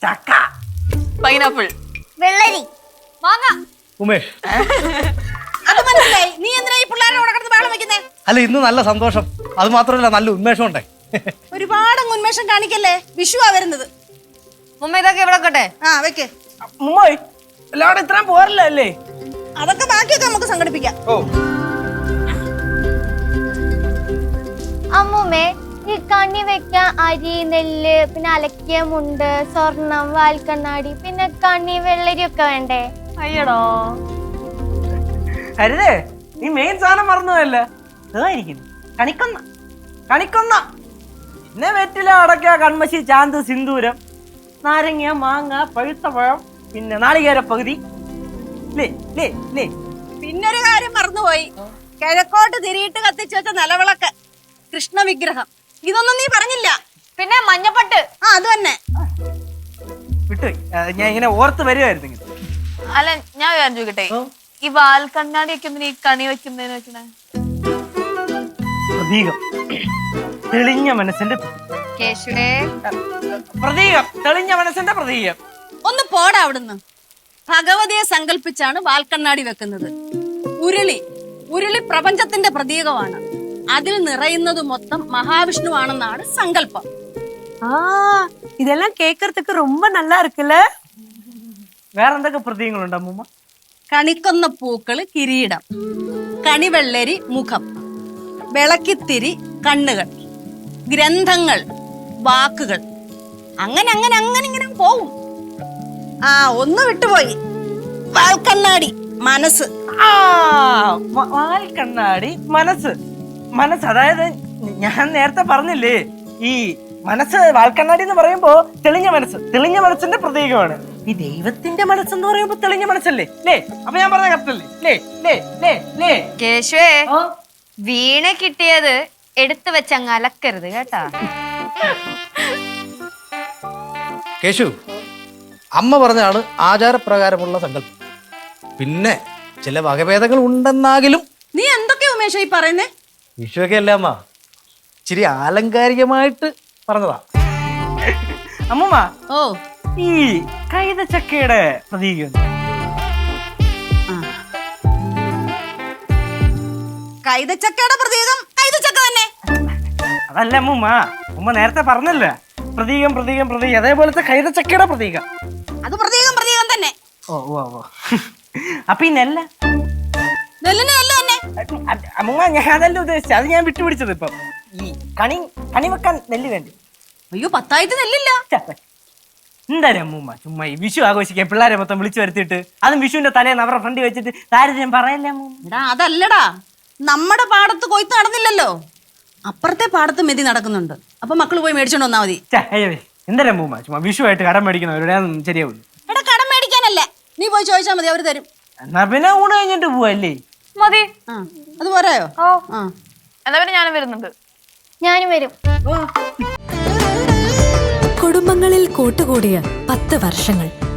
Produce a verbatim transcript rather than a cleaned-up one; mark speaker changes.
Speaker 1: ചക്ക,
Speaker 2: പൈനാപ്പിൾ,
Speaker 3: വെള്ളരി,
Speaker 2: മാങ്ങ.
Speaker 4: ഉമേഷ്,
Speaker 3: അത് മനസ്സിലായി. നീ എന്തിനാ ഈ പിള്ളേരെ കിടന്ന് ബഹളം വെക്കുന്നേ?
Speaker 4: അല്ല ഇന്ന് നല്ല സന്തോഷം, അത് മാത്രമല്ല നല്ല ഉന്മേഷം ഉണ്ടേ.
Speaker 3: ഒരുപാട് ഉന്മേഷം കാണിക്കല്ലേ, വിഷുവാ വരുന്നത്.
Speaker 2: മുമ്പ് ഇതൊക്കെ ഇവിടെ വെക്കട്ടെ.
Speaker 3: ആ വെക്ക്.
Speaker 1: മുമ്പോയ് എല്ലാവരും ഇത്രയും പോരല്ലേ?
Speaker 3: അതൊക്കെ ബാക്കിയൊക്കെ നമുക്ക് സംഘടിപ്പിക്കാം.
Speaker 1: ഓ
Speaker 5: അമ്മൂമ്മേ, ഈ കണി വെക്കാൻ അരി, നെല്ല്, പിന്നെ അലക്കിയ മുണ്ട്, സ്വർണം, വാൽക്കണ്ണാടി, പിന്നെ കണി, വെള്ളരി ഒക്കെ വേണ്ടേ?
Speaker 2: അയ്യടോ,
Speaker 1: അരുതേ, നീ മെയിൻ സാധനം മറന്നുപോയല്ല. ഇതായിരിക്കുന്നു കണിക്കൊന്ന. കണിക്കൊന്ന പിന്നെ വെറ്റില, അടക്ക, കൺമശി, ചാന്ത്, സിന്ദൂരം, നാരങ്ങ, മാങ്ങ, പഴുത്ത പഴം, പിന്നെ നാളികേര പകുതി.
Speaker 3: പിന്നൊരു കാര്യം മറന്നുപോയി. കിഴക്കോട്ട് തിരിയിട്ട് കത്തിച്ചു വെച്ച നിലവിളക്ക്, കൃഷ്ണ വിഗ്രഹം. ഇതൊന്നും നീ പറഞ്ഞില്ല.
Speaker 2: പിന്നെ മഞ്ഞപ്പട്ട്.
Speaker 3: ആ അത് തന്നെ
Speaker 1: വിട്ടുപോയി. ഞാൻ ഇങ്ങനെ ഓർത്ത് വരുമായിരുന്നു.
Speaker 2: അല്ല, ഞാൻ കാര്യം ചോദിക്കട്ടെ, ഈ വാൽക്കണ്ണാടി വെക്കുന്ന ഈ കണി വെക്കുന്നതിന് വെക്കണേ
Speaker 1: പ്രതീകം, തെളിഞ്ഞ മനസ്സിന്റെ
Speaker 2: കേശുവേ,
Speaker 1: പ്രതീകം, തെളിഞ്ഞ മനസ്സിന്റെ പ്രതീകം.
Speaker 3: ഒന്ന് പോടാ അവിടുന്ന്. ഭഗവതിയെ സങ്കല്പിച്ചാണ് വാൽക്കണ്ണാടി വെക്കുന്നത്. ഉരുളി ഉരുളി പ്രപഞ്ചത്തിന്റെ പ്രതീകമാണ്. അതിൽ നിറയുന്നത് മൊത്തം മഹാവിഷ്ണു ആണെന്നാണ് സങ്കല്പം.
Speaker 6: ആ ഇതെല്ലാം കേക്കறதுக்கு ரொம்ப நல்லா இருக்குல்ல.
Speaker 1: വേറെന്തൊക്കെ പ്രതീകങ്ങളുണ്ട് അമ്മൂമ്മ?
Speaker 3: കണിക്കൊന്ന പൂക്കള് കിരീടം, കണിവെള്ളരി മുഖം, വിളക്കിത്തിരി കണ്ണുകൾ, ഗ്രന്ഥങ്ങൾ വാക്കുകൾ. അങ്ങനെ അങ്ങനെ അങ്ങനെ ഇങ്ങനെ പോവും. ആ ഒന്ന് വിട്ടുപോയി, വാൽക്കണ്ണാടി മനസ്സ്.
Speaker 1: ആ വാൽക്കണ്ണാടി മനസ്സ്. മനസ്സ് അതായത് ഞാൻ നേരത്തെ പറഞ്ഞില്ലേ, ഈ മനസ്സ് വാൽക്കണ്ണാടി എന്ന് പറയുമ്പോ തെളിഞ്ഞ മനസ്സ്, തെളിഞ്ഞ മനസ്സിന്റെ പ്രതീകമാണ്. ഈ ദൈവത്തിന്റെ മനസ്സെന്ന് പറയുമ്പോ തെളിഞ്ഞ മനസ്സല്ലേ? ലേ അപ്പൊ ഞാൻ പറഞ്ഞ കറക്റ്റല്ലേ? ലേ ലേ ലേ ലേ
Speaker 2: കേശുവേ, വീണ കിട്ടിയത് എടുത്തു വെച്ചങ്ങ് അലക്കരുത് കേട്ടാ.
Speaker 4: കേശു, അമ്മ പറഞ്ഞാണ് ആചാരപ്രകാരമുള്ള സങ്കല്പം. പിന്നെ ചില വകഭേദങ്ങൾ ഉണ്ടെന്നാകിലും.
Speaker 3: നീ എന്തൊക്കെയാ ഉമേഷ ഈ പറയുന്നേ?
Speaker 4: വിഷുവൊക്കെ അല്ല അമ്മ, ഇച്ചിരി ആലങ്കാരികമായിട്ട് പറഞ്ഞതാ.
Speaker 1: അമ്മൂമ്മ,
Speaker 3: ഓ
Speaker 1: ഈ കൈതച്ചക്കയുടെ പ്രതീകം
Speaker 3: കൈതച്ചക്കയുടെ പ്രതീകം കൈതച്ചക്ക തന്നെ.
Speaker 1: അതല്ല അമ്മൂമ്മ, ഉമ്മ നേരത്തെ പറഞ്ഞല്ല പ്രതീകം പ്രതീകം പ്രതീകം, അതേപോലത്തെ കൈതച്ചക്കയുടെ പ്രതീകം.
Speaker 3: അത് പ്രതീകം പ്രതീകം തന്നെ.
Speaker 1: ഓ ഓ ഓ അപ്പൊ ഈ നെല്ല
Speaker 3: നെല്ലിന് നെല്ല് തന്നെ.
Speaker 1: അമ്മൂമ്മ, ഞാൻ അതല്ല ഉദ്ദേശിച്ചത്, അത് ഞാൻ വിട്ടുപിടിച്ചത്. ഇപ്പം ഈ കണി കണി വെക്കാൻ നെല്ല് വേണ്ടി.
Speaker 3: അയ്യോ, പത്തായിട്ട് നെല്ലില്ല.
Speaker 1: എന്തായാലും അമ്മൂമ്മ ചുമ്മാ ഈ വിഷു ആഘോഷിക്കാൻ പിള്ളേരെ മൊത്തം വിളിച്ചു വരുത്തിയിട്ട്, അതും വിഷുവിന്റെ തലേന്ന് അവരുടെ ഫ്രണ്ട് വെച്ചിട്ട് താരതമ്യം പറയല്ലേ അമ്മൂമ്മ?
Speaker 3: എടാ അതല്ലടാ, നമ്മുടെ പാടത്ത് കൊയ്ത്ത് നടന്നില്ലല്ലോ, അപ്പുറത്തെ പാടത്ത് മെതി നടക്കുന്നുണ്ട്. അപ്പൊ മക്കള് പോയി മേടിച്ചോണ്ട് വന്നാ മതി.
Speaker 1: എന്തായാലും അമ്മൂമ്മ ചുമ്മാ വിഷു ആയിട്ട് കടം മേടിക്കുന്നവരുടെ ശരിയാവില്ല.
Speaker 3: എടാ കടം മേടിക്കാനല്ല, നീ പോയി ചോദിച്ചാൽ മതി, അവര് തരും.
Speaker 1: എന്നാ പിന്നെ ഊണ് കഴിഞ്ഞിട്ട് പോവല്ലേ?
Speaker 2: മതി.
Speaker 3: ആ അത് പോരായോ?
Speaker 2: ഓ
Speaker 3: ആ
Speaker 2: എന്നാ പിന്നെ ഞാനും വരുന്നുണ്ട്.
Speaker 5: ഞാനും വരും.
Speaker 7: കുടുംബങ്ങളിൽ കൂട്ടുകൂടിയ പത്ത് വർഷങ്ങൾ.